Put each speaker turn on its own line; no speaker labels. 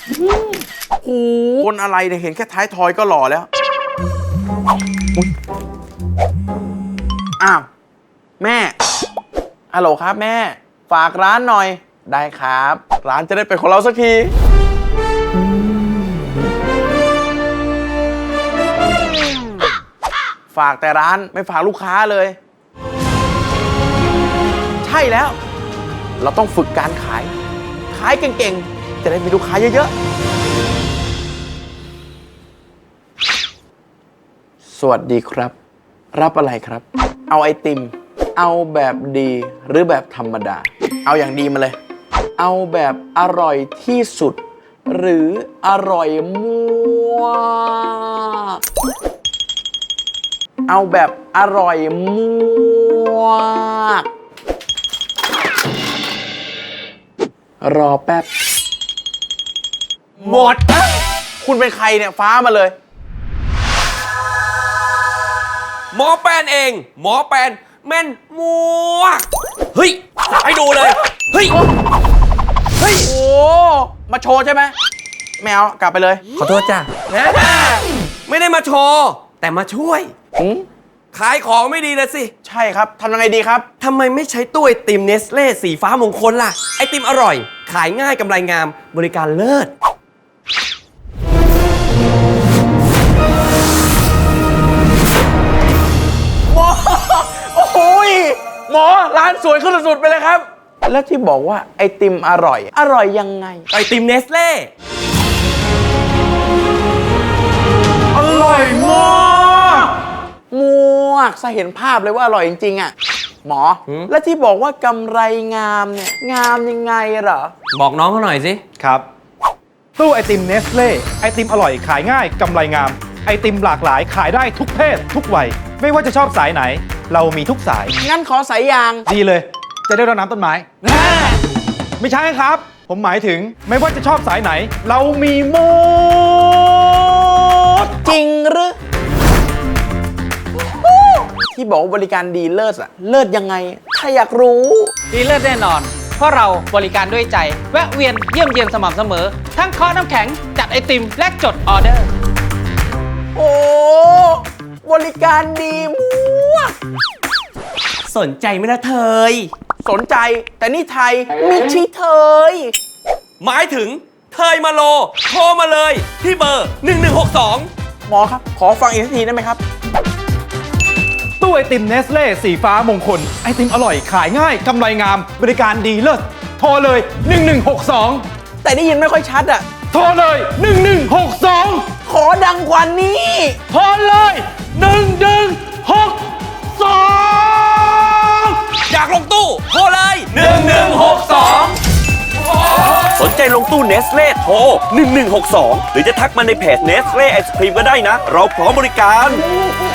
โอ้คนอะไรเนี่ยเห็นแค่ท้ายทอยก็หล่อแล้วอ้าวแม่ฮัลโหลครับแม่ฝากร้านหน่อยได้ครับร้านจะได้เป็นของเราสักทีฝากแต่ร้านไม่ฝากลูกค้าเลยใช่แล้วเราต้องฝึกการขายเก่งๆจะได้มีลูกค้าเยอะๆสวัสดีครับรับอะไรครับเอาไอติมเอาแบบดีหรือแบบธรรมดาเอาอย่างดีมาเลยเอาแบบอร่อยที่สุดหรืออร่อยมากเอาแบบอร่อยมากรอแป๊บหมดคุณเป็นใครเนี่ยฟ้ามาเลย
หมอแปนเองหมอแปนแม่นมัวเฮ้ยให้ดูเลยเฮ้ย
โอ้มาโชว์ใช่ไหมแมวกลับไปเลย
ขอโทษจ้ะไม่ได้มาโชว์แต่มาช่วยขายของไม่ดีนะสิ
ใช่ครับทำยังไงดีครับ
ทำไมไม่ใช้ตู้ไอติมเนสเล่สีฟ้ามงคลล่ะไอติมอร่อยขายง่ายกำไรงามบริการเลิศ
หมอโอ้โหหมอร้านสวยขึ้นสุดๆไปเลยครับแล้วที่บอกว่าไอติมอร่อยยังไง
ไอติมเนสเล่
อร่อยมากซะเห็นภาพเลยว่าอร่อยจริงๆอ่ะหมอแล้วที่บอกว่ากำไรงามเนี่ยงามยังไงเหรอ
บอกน้องเขาหน่อยสิ
ครับตู้ไอติมเนสเล่ไอติมอร่อยขายง่ายกำไรงามไอติมหลากหลายขายได้ทุกเพศทุกวัยไม่ว่าจะชอบสายไหนเรามีทุกสาย
งั้นขอสายยาง
ดีเลยจะได้รดน้ำต้นไม้ไม่ใช่ครับผมหมายถึงไม่ว่าจะชอบสายไหนเรามีหมด
จริงหรือที่บอกว่าบริการดีเลิศอะเลิศยังไงถ้าอยากรู้
ดีเลิศแน่นอนเพราะเราบริการด้วยใจแวะเวียนเยี่ยมเยียนสม่ำเสมอทั้งเคาะน้ำแข็งจัดไอติมและจดออเดอร์
โอ้บริการดีมาก
สนใจไหมล่ะเธย
สนใจแต่นี่ไทยมิชิเทย
หมายถึงเทยมาโลโทรมาเลยที่เบอร์1162
หมอครับขอฟังอีกทีได้ไหมครับ
ตู้ไอติมเนสเล่สีฟ้ามงคลไอติมอร่อยขายง่ายกำไรงามบริการดีเลิศโทรเลย1162
แต่ได้ยินไม่ค่อยชัดอ่ะ
โทรเลย1162
ขอดังกว่านี้
โทรเลย1162
อยากลงตู้โทรเลย1162สนใจลงตู้เนสเล่โทร1162หรือจะทักมาในเพจเนสเล่ไอศครีมก็ได้นะเราพร้อมบริการ